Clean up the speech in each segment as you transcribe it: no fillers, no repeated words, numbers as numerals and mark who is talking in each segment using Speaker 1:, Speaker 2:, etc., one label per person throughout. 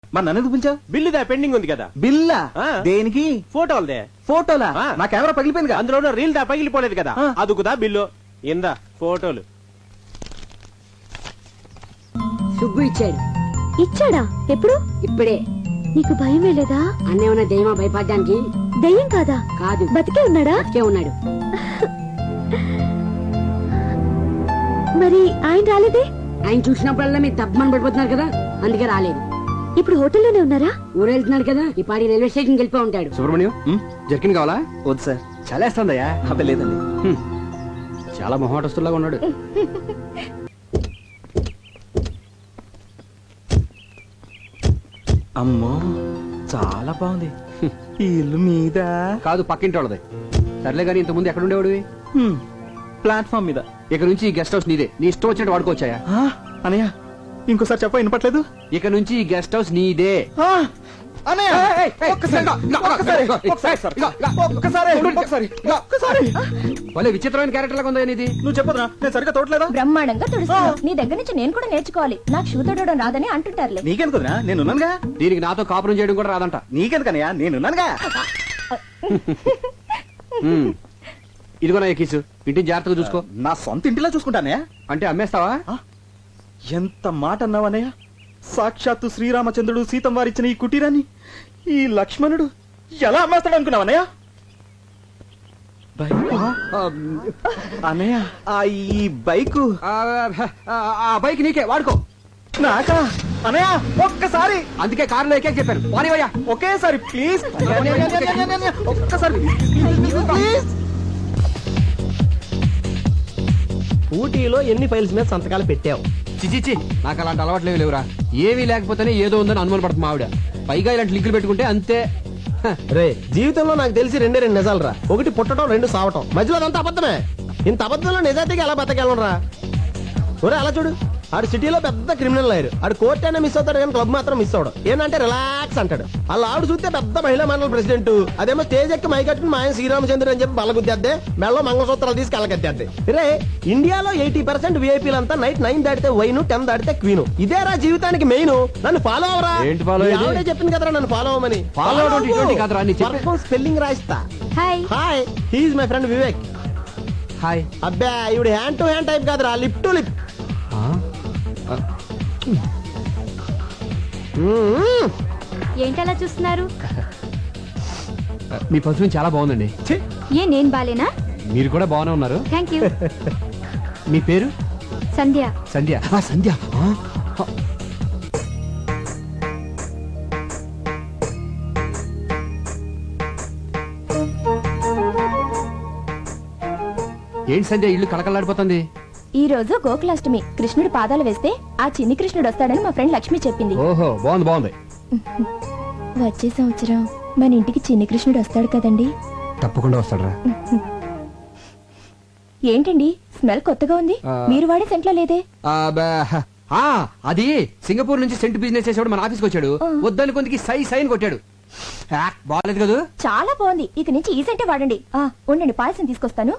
Speaker 1: మరి నన్ను ఎందుకు పిలిచావు?
Speaker 2: బిల్లుదా పెండింగ్ ఉంది కదా.
Speaker 1: బిల్లా? దేనికి?
Speaker 2: ఫోటోలదే.
Speaker 1: ఫోటోలా? నా కెమెరా పగిలిపోయింది.
Speaker 2: అందులో రీల్ దా పగిలిపోలేదు కదా, అదుకుదా బిల్లు. ఇందా ఫోటోలు.
Speaker 3: సుబ్బు ఇచ్చాడు.
Speaker 4: ఇచ్చాడా? ఎప్పుడు?
Speaker 3: ఇప్పుడే.
Speaker 4: నీకు భయం వేలేదా?
Speaker 3: అన్నేమన్నా దెయ్యమా భయపడ్డానికి?
Speaker 4: దెయ్యం కాదా?
Speaker 3: కాదు.
Speaker 4: బతికే ఉన్నాడా?
Speaker 3: బతికే ఉన్నాడు.
Speaker 4: మరి ఆయన రాలేదే?
Speaker 3: ఆయన చూసినప్పుడల్లా మీరు తప్పమని పడిపోతున్నారు కదా, అందుకే రాలేదు.
Speaker 4: ఇప్పుడు హోటల్లోనే ఉన్నారా?
Speaker 3: ఊరెళ్తున్నాడు కదా, ఈ పాడి రైల్వే స్టేషన్ వెళ్ళిపో ఉంటాడు.
Speaker 5: సుబ్రహ్మణ్యం, జర్కిన్ కావాలా?
Speaker 1: వద్దు సార్.
Speaker 5: చాలా వేస్తుందయ్యా.
Speaker 1: అబ్బే లేదండి.
Speaker 5: చాలా మొహమాటస్తులాగా ఉన్నాడు.
Speaker 1: అమ్మో చాలా బాగుంది. ఈ ఇల్లు మీద
Speaker 5: కాదు, పక్కింటి వాళ్ళది. సర్లే గానీ ఇంతకుముందు ఎక్కడ ఉండేవాడివి?
Speaker 1: ప్లాట్ఫామ్ మీద.
Speaker 5: ఇక నుంచి ఈ గెస్ట్ హౌస్ నీదే. నీ ఇష్టం వచ్చినట్టు వాడుకోవచ్చాయా?
Speaker 1: అనయ్య ఇంకోసారి చెప్ప వినపట్లేదు.
Speaker 5: ఇక నుంచి ఈ గెస్ట్ హౌస్ నీదే. వాళ్ళే విచిత్రమైన క్యారెక్టర్ లాగా ఉందా నీది?
Speaker 1: నువ్వు చెప్పదురా, నేను సరిగ్గా తోటలేదా?
Speaker 4: బ్రహ్మాండంగా తుడుస్తున్నావు. నీ దగ్గర నుంచి నేను కూడా నేర్చుకోవాలి. నాకు షూ తొడడం రాదని అంటుంటారులే.
Speaker 1: నీకెందుకురా, నేనున్నానుగా.
Speaker 5: దీనికి నాతో కాపురం చేయడం కూడా రాదంట.
Speaker 1: నీకెందుకనయ్యా, నేనున్నానుగా.
Speaker 5: ఇదిగో నా ఎక్కిసు, ఇంటిని జాగ్రత్తగా చూసుకో.
Speaker 1: నా సొంత ఇంటిలా చూసుకుంటానే.
Speaker 5: అంటే అమ్మేస్తావా?
Speaker 1: ఎంత మాట అన్నావనయ్య. సాక్షాత్తు శ్రీరామచంద్రుడు సీతం వారిచ్చిన ఈ కుటీరాన్ని ఈ లక్ష్మణుడు ఎలా అమ్మేస్తాడు అనుకున్నావనయ్య? అన్నయ్య ఈ బైకు.
Speaker 5: ఆ బైక్ నీకే, వాడుకో.
Speaker 1: నాకా? అనయ్య ఒక్కసారి.
Speaker 5: అందుకే కారులో ఎక్కే చెప్పాను. పోనీవయ్యా.
Speaker 1: ఒకేసారి ప్లీజ్. ఒక్కసారి ప్లీజ్.
Speaker 2: ఊటీలో ఎన్ని ఫైల్స్ మీద సంతకాలు పెట్టావు?
Speaker 5: చిచిచి, నాకు అలాంటి అలవాట్లేవి లేవురా. ఏమీ లేకపోతేనే ఏదో ఉందని అనుమాన పడుతుంది ఆవిడ. పైగా ఇలాంటి లింకులు పెట్టుకుంటే అంతే.
Speaker 2: రే, జీవితంలో నాకు తెలిసి రెండు నిజాలు రా. ఒకటి పుట్టడం, రెండు సావటం. మధ్యలో అదంతా అబద్ధమే. ఇంత అబద్ధంలో నిజాయితీగా ఎలా బతకెళ్ళరా? ఒరే అలా చూడు, ఆడు సిటీలో పెద్ద క్రిమినల్ లాయర్. ఆడు కోర్ట్ అయినా మిస్ అవుతాడు కానీ క్లబ్ మాత్రం మిస్ అవడం. ఏంటంటే రిలాక్స్ అంటాడు. అలా ఆవిడ చూస్తే పెద్ద మహిళా మండలి ప్రెసిడెంట్. అదేమో స్టేజ్ ఎక్కి మైకట్టుకుని మా ఆయన శ్రీరామచంద్రుడు అని చెప్పి బల్లగుద్దేద్దే, మెళ్ళో మంగళసూత్రాలు తీసుకు వెళ్ళగద్దేద్దే. రే, ఇండియాలో 80% విఐపీలంతా నైట్ 9 దాటితే వైన్, 10 దాటితే క్వీన్. ఇదేరా జీవితానికి మెయిన్. నన్ను ఫాలో అవరా.
Speaker 5: ఏంటి ఫాలో?
Speaker 2: ఆవిడే చెప్పింది కదరా నన్ను ఫాలో అవ్వమని.
Speaker 5: ఫాలో అవడం ఇటువంటి కాదురా, నీ చెప్పే
Speaker 2: స్పెల్లింగ్ రాయిస్తా.
Speaker 4: Hi
Speaker 2: hi, he's my friend Vivek.
Speaker 5: Hi.
Speaker 2: అబ్బా, ఇవిడు హ్యాండ్ టు హ్యాండ్ టైప్ కాదురా, లిప్ టు లిప్.
Speaker 4: ఏంటలా చూస్తున్నారు?
Speaker 5: మీ పర్ఫ్యూమ్ చాలా బాగుందండి.
Speaker 4: ఏ నేను బాలేనా?
Speaker 5: మీరు కూడా బాగానే ఉన్నారు.
Speaker 4: Thank you.
Speaker 5: మీ పేరు?
Speaker 4: సంధ్య.
Speaker 5: సంధ్య. సంధ్య. ఏంటి సంధ్య, ఇల్లు కళకళలాడిపోతుంది.
Speaker 4: ఈ రోజు గోకులాష్టమి. కృష్ణుడు పాదాలు వేస్తే ఆ చిన్ని కృష్ణుడు వస్తాడని మా ఫ్రెండ్ లక్ష్మి చెప్పింది.
Speaker 5: ఓహో, బాగుంది బాగుంది.
Speaker 4: వచ్చే సంవత్సరం మన ఇంటికి చిన్ని కృష్ణుడు వస్తాడు కదండి?
Speaker 5: తప్పకుండా వస్తాడరా.
Speaker 4: ఏంటండి స్మెల్ కొత్తగా ఉంది? మీరు వాడే సెంట్లో లేదే?
Speaker 5: అది సింగపూర్ నుంచి సెంట్ బిజినెస్ చేసేవాడు మన ఆఫీస్కి వచ్చాడు. వద్దని కొందికి సైన్ కొట్టాడు. బాగాలేదు కదా?
Speaker 4: చాలా బాగుంది. ఇక నుంచి ఈ సెంటే వాడండి. ఉండండి, పాయసం తీసుకొస్తాను.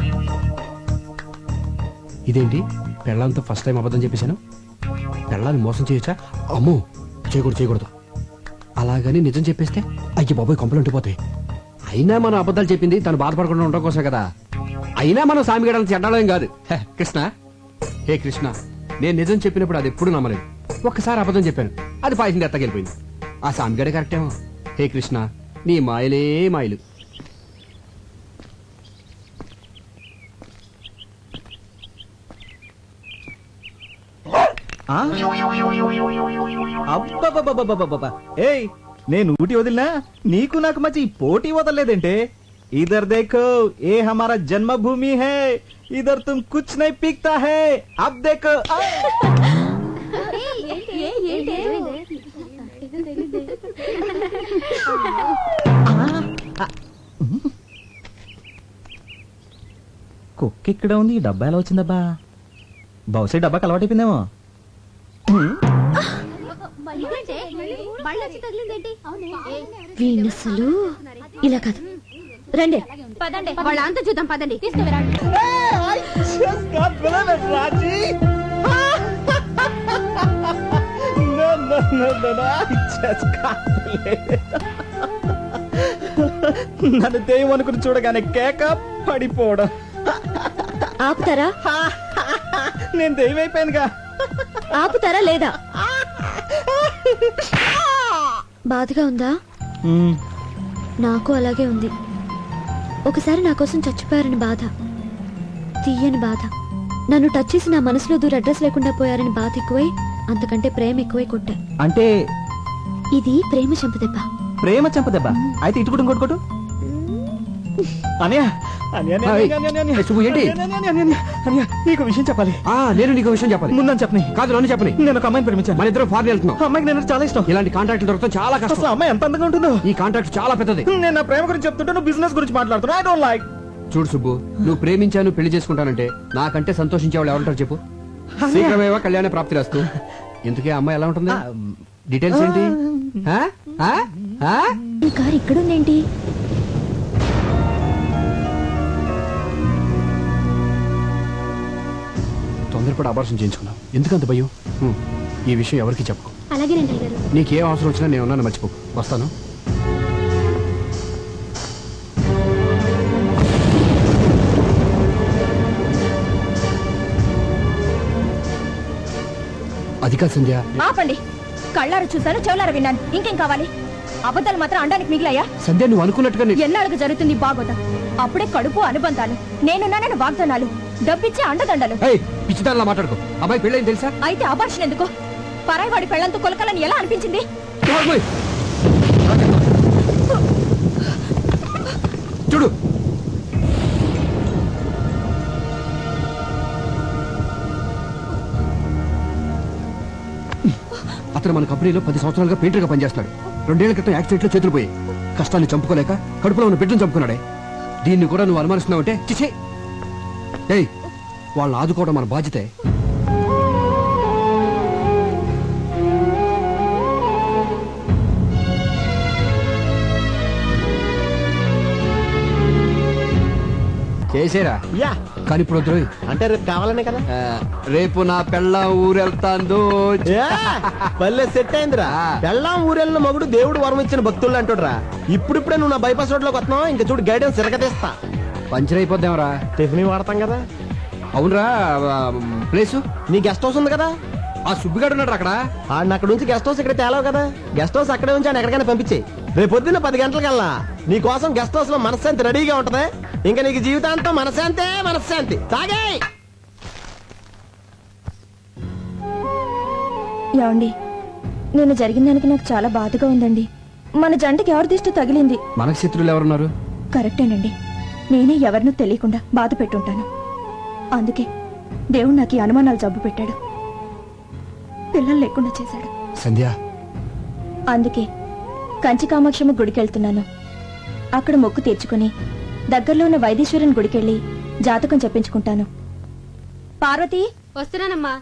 Speaker 5: ఇదేంటి, పెళ్ళంతో ఫస్ట్ టైం అబద్ధం చెప్పేశాను. పెళ్ళాన్ని మోసం చేయొచ్చా? అమ్మో, చేయకూడదు. అలాగని నిజం చెప్పేస్తే అయ్యి బాబోయ్ కొంపలు ఉండిపోతాయి. అయినా మనం అబద్ధాలు చెప్పింది తను బాధపడకుండా ఉండడం కోసమే కదా. అయినా మనం సామిగడాలను చెడ్డాలేం కాదు. కృష్ణ, హే కృష్ణ, నేను నిజం చెప్పినప్పుడు అది ఎప్పుడు నమ్మలేదు. ఒక్కసారి అబద్ధం చెప్పాను, అది పాయసం ఎత్తకెళ్ళిపోయింది. ఆ సామిగడే కరెక్టేమో. హే కృష్ణ, నీ మాయలే మాయలు.
Speaker 1: ఏయ్, నేను ఊటి వదిలినా నీకు నాకు మధ్య పోటీ వదలలేదంటే. ఇధర్ देखो, ये हमारा जन्मभूमि है. इधर तुम कुछ नहीं पीकता है. अब देखो. కుక్క ఇక్కడ ఉంది, ఈ డబ్బా ఎలా వచ్చిందబ్బా? బహుశా డబ్బాకి అలవాటైపోయిందేమో.
Speaker 4: వీణసలు ఇలా కాదు. రండి
Speaker 3: పదండి, వాళ్ళంతా చూద్దాం. పదండి.
Speaker 1: No. నన్ను దెయ్యం అనుకుని చూడగానే కేక పడిపోవడం.
Speaker 6: ఆపుతారా
Speaker 1: నేను దెయ్యం అయిపోయానుగా.
Speaker 6: ఆపుతారా లేదా? బాధగా ఉందా? నాకు అలాగే ఉంది. ఒకసారి నా కోసం చచ్చిపోయారని బాధ, తీయని బాధ. నన్ను టచ్ చేసి నా మనసులో దూర అడ్రస్ లేకుండా పోయారని బాధ ఎక్కువై, అంతకంటే ప్రేమ ఎక్కువై కొట్టా.
Speaker 1: అంటే
Speaker 6: ఇది ప్రేమ చంపదెబ్బ.
Speaker 1: ప్రేమ చంపదెబ్బ. అయితే ఇటు కూడా ఇంకోటి కొట్టు. అనయ్య,
Speaker 5: శుభు, ఏంటి?
Speaker 1: నీకు విషయం చెప్పాలి.
Speaker 5: నేను నీకు విషయం చెప్పాలి.
Speaker 1: ముందని చెప్పని.
Speaker 5: కాదు, నన్ను చెప్పని.
Speaker 1: నేను ఒక అమ్మాయిని ప్రేమించాను.
Speaker 5: మన ఇద్దరం ఫారెన్ వెళ్తున్నాం.
Speaker 1: అమ్మాయికి నేను చాలా ఇష్టం.
Speaker 5: ఇలాంటి కాంట్రాక్ట్ దొరకడం చాలా కష్టం.
Speaker 1: అసలు అమ్మాయి ఎంత అందంగా ఉంటుందో.
Speaker 5: ఈ కాంట్రాక్ట్ చాలా పెద్దది.
Speaker 1: నేను నా ప్రేమ గురించి చెప్తుంటే నువ్వు బిజినెస్ గురించి మాట్లాడుతున్నా. I don't like.
Speaker 5: చూడు సుబ్బు, నువ్వు ప్రేమించాను పెళ్లి చేసుకుంటానంటే నాకంటే సంతోషించే వాళ్ళు ఎవరుంటారు చెప్పు? శీఘ్రమేవా కళ్యాణ ప్రాప్తి రాస్తూ. ఇంతకీ అమ్మాయి ఎలా ఉంటుంది? డీటెయిల్స్ ఏంటి?
Speaker 4: ఈ కార్ ఇక్కడుందేంటి?
Speaker 5: తొందరపడి అబార్షన్ చేయించుకున్నావు. ఎందుకంత భయం? ఈ విషయం ఎవరికి చెప్పకు.
Speaker 6: అలాగే రండి గారు.
Speaker 5: నీకేం అవసరం వచ్చినా నేను ఉన్నాను, మర్చిపోకు. వస్తాను. అది కాదు సంధ్య.
Speaker 4: ఆపండి. కళ్ళారు చూశాను, చెవులారు విన్నాను. ఇంకేం కావాలి? అబద్ధాలు మాత్రం అండానికి మిగిలాయా?
Speaker 5: సంధ్య, నువ్వు అనుకున్నట్టుగా
Speaker 4: ఎన్నాళ్ళకు జరుగుతుంది బాగోదా? అప్పుడే కడుపు అనుబంధాలు, నేనున్నానని వాగ్దానాలు, డబ్బిచ్చే అండదండలు.
Speaker 5: పిచ్చిదానిలా మాట్లాడుకో. అమ్మాయి పెళ్ళైంది తెలుసా?
Speaker 4: అయితే అబార్షన్ ఎందుకు? పరాయివాడి పెళ్లంతో కొలకలని ఎలా అనిపించింది?
Speaker 5: చూడు, అతను మన కంపెనీలో 10 సంవత్సరాలుగా పెయింటర్ గా పనిచేస్తున్నాడు. 2 ఏళ్ల క్రితం యాక్సిడెంట్ లో చేతులు పోయాయి. కష్టాన్ని చంపుకోలేక కడుపులో ఉన్న బిడ్డను చంపుకున్నాడే. దీన్ని కూడా నువ్వు అనుమానిస్తున్నావంటే చిచే. ఏయ్, వాళ్ళని ఆదుకోవడం మన బాధ్యతే. చేసేరా?
Speaker 2: యా,
Speaker 5: కానీ ఇప్పుడు వద్దు.
Speaker 2: అంటే రేపు కావాలనే కదా.
Speaker 5: రేపు నా పెళ్ళ ఊరెళ్తాందో.
Speaker 2: పల్లె సెట్ అయిందిరా. పెళ్ళాం ఊరెళ్ళిన మగుడు దేవుడు వరం ఇచ్చిన భక్తులు అంటుడ్రా. ఇప్పుడిప్పుడే నువ్వు నా బైపాస్ రోడ్ లోకి వస్తున్నావు. ఇంకా చూడు, గైడెన్స్ తిరగతీస్తా.
Speaker 5: పంచర్ అయిపోద్దాంరా.
Speaker 2: టిఫిన్ వాడతాం కదా.
Speaker 5: అవునరా, ప్లేసు
Speaker 2: నీ గెస్ట్ హౌస్ ఉంది కదా.
Speaker 5: ఆ సుబ్బిగాడు ఉన్నాడు అక్కడ.
Speaker 2: ఆడిని అక్కడ నుంచి గెస్ట్ హౌస్ ఇక్కడ తేలావు కదా. గెస్ట్ హౌస్ అక్కడే ఉంచి ఆయన ఎక్కడికైనా పంపించే. రేపు పొద్దున్న 10 గంటలకల్లా నీ కోసం గెస్ట్ హౌస్ లో మనశ్శాంతి రెడీగా ఉంటది. ఇంకా నీకు జీవితాంతం మనశ్శాంతే మనశ్శాంతి. తాగే.
Speaker 4: ఏమండి, నేను జరిగిన దానికి నాకు చాలా బాధగా ఉందండి. మన జంటకి ఎవరి దిష్టి తగిలింది?
Speaker 5: మనకు శత్రువులు ఎవరున్నారు?
Speaker 4: కరెక్టేనండి. నేనే ఎవరినూ తెలియకుండా బాధ పెట్టుంటాను. అందుకే దేవుడు నాకు ఈ అనుమానాలు జబ్బు పెట్టాడు, పిల్లలు లేకుండా చేశాడు.
Speaker 5: సంధ్య,
Speaker 4: అందుకే కంచి కామాక్షమ్మ గుడికెళ్తున్నాను. అక్కడ మొక్కు తీర్చుకుని దగ్గరలో ఉన్న వైదీశ్వరుని గుడికెళ్ళి జాతకం చెప్పించుకుంటాను. పార్వతి,
Speaker 6: వస్తున్నానమ్మా.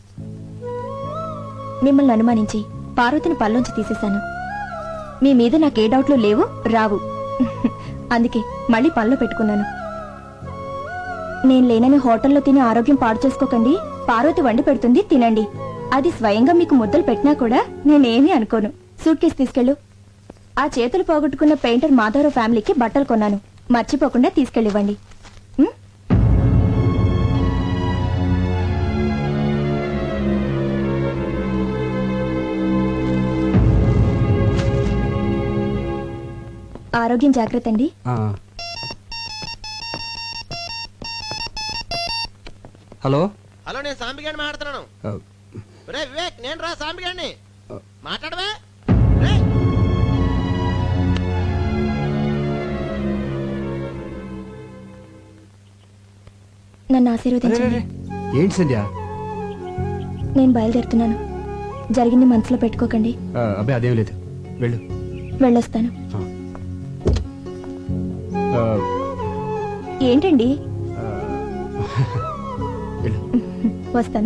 Speaker 4: మిమ్మల్ని అనుమానించి పార్వతిని పల్లోంచి తీసేశాను. మీ మీద నాకే డౌట్లు లేవు, రావు. అందుకే మళ్ళీ పనిలో పెట్టుకున్నాను. నేను లేనని హోటల్లో తిని ఆరోగ్యం పాడు చేసుకోకండి. పార్వతి వండి పెడుతుంది, తినండి. అది స్వయంగా మీకు ముద్దలు పెట్టినా కూడా నేనేమీ అనుకోను. సూట్ కేసు తీసుకెళ్ళు. ఆ చేతులు పోగొట్టుకున్న పెయింటర్ మాధవరావు ఫ్యామిలీకి బట్టలు కొన్నాను, మర్చిపోకుండా తీసుకెళ్ళివ్వండి. ఆరోగ్యం జాగ్రత్త అండి.
Speaker 5: హలో.
Speaker 2: హలో, నేను సాంబిగాడిని మాట్లాడుతున్నాను. రే వివేక్, నేను రా సాంబిగాడిని. మాట్లాడవే.
Speaker 4: నన్ను ఆశీర్వదించండి.
Speaker 5: ఏంటి సంధ్య?
Speaker 4: నేను బయలుదేరుతున్నాను. జరిగింది మనసులో పెట్టుకోకండి.
Speaker 5: అబ్బాయి అదేం లేదు, వెళ్ళు.
Speaker 4: వెళ్ళొస్తాను. ఏంటండి? వస్తాను.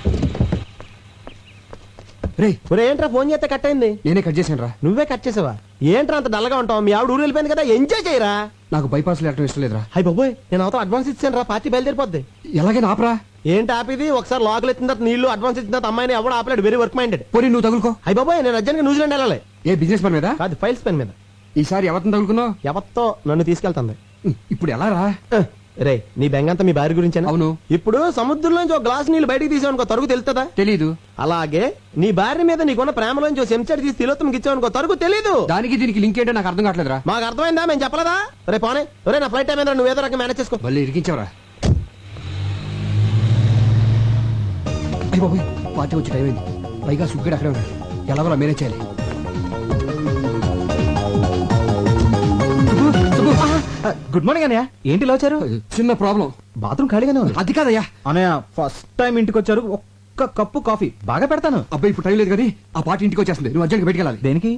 Speaker 5: రే,
Speaker 2: ఏంట్రా ఫోన్ చేస్తే కట్ అయింది?
Speaker 5: నేనే కట్ చేశాను రా.
Speaker 2: నువ్వే కట్ చేసావా? ఏంట్రా అంత డల్గా ఉంటావు? మీ ఆవిడ ఊరు వెళ్ళిపోయింది కదా, ఎంజాయ్ చేయరా.
Speaker 5: నాకు బైపాస్ వెళ్ళటం ఇష్టం లేదురా.
Speaker 2: హై బాబోయ్, నేను అవతల అడ్వాన్స్ ఇచ్చాను రా, పార్టీ బయలుదేరిపోద్ది.
Speaker 5: ఎలాగైనా ఆపరా.
Speaker 2: ఏంటి ఆపిది? ఒకసారి లోకల్ ఎత్తిన తర్వాత నీళ్లు అడ్వాన్స్ ఇచ్చిన తర్వాత అమ్మాయిని ఎవడు ఆపలేడు. Very work minded.
Speaker 5: పోనీ నువ్వు తగులుకో.
Speaker 2: హై బాబోయ్, నేను అర్జెంట్గా న్యూజిలాండ్ వెళ్ళాలి.
Speaker 5: ఏ బిజినెస్ పని మీద?
Speaker 2: కాదు, ఫైల్స్ పెన్ మీద.
Speaker 5: ఈసారి ఎవరిని తగులుకున్నావు?
Speaker 2: ఎవత్తో నన్ను తీసుకెళ్తుంది.
Speaker 5: ఇప్పుడు ఎలా రా?
Speaker 2: రే, నీ బెంగంతా మీ భార్య గురించేనా?
Speaker 5: అవును.
Speaker 2: ఇప్పుడు సముద్రంలోంచి ఒక గ్లాస్ నీళ్ళు బయటికి తీసావనుకో, తరుగు తెలుస్తుందా?
Speaker 5: తెలీదు.
Speaker 2: అలాగే నీ భార్య మీద నీకున్న ప్రేమలోంచి ఒక చెంచాడు తీసి తిలోత్తంకి ఇచ్చావనుకో, తరుగు తెలీదు.
Speaker 5: దానికి దీనికి లింక్ ఏంటో నాకు అర్థం కావట్లేదురా.
Speaker 2: మాకు అర్థమైందా? మేము చెప్పలేదా? రే పోనే, రే నా ఫ్లైట్ టైం ఏంద్రా, నువ్వు ఏదో రకం మేనేజ్ చేసుకో.
Speaker 5: మళ్ళీ ఇరికించావరా. అయ్య బాబోయ్, పార్టీ వచ్చి టైం అయింది. పైగా సుగ్గడు అక్కడే ఉన్నాడు. ఎలాగోలా మేనేజ్ చేయాలి.
Speaker 1: గుడ్ మార్నింగ్ అన్నయ్య. ఏంటి ఇలా వచ్చారు?
Speaker 5: చిన్న ప్రాబ్లం.
Speaker 1: బాత్రూమ్ ఖాళీగానే ఉంది.
Speaker 5: అది కాదయ్యా.
Speaker 1: అన్నయ్య ఫస్ట్ టైం ఇంటికి వచ్చారు, ఒక్క కప్పు కాఫీ బాగా పెడతాను.
Speaker 5: అబ్బాయి ఇప్పుడు టైం లేదు కానీ ఆ పార్టీ ఇంటికి వచ్చేస్తుంది. నువ్వు అర్జెంట్గా బయటికి వెళ్ళాలి.
Speaker 1: దేనికి?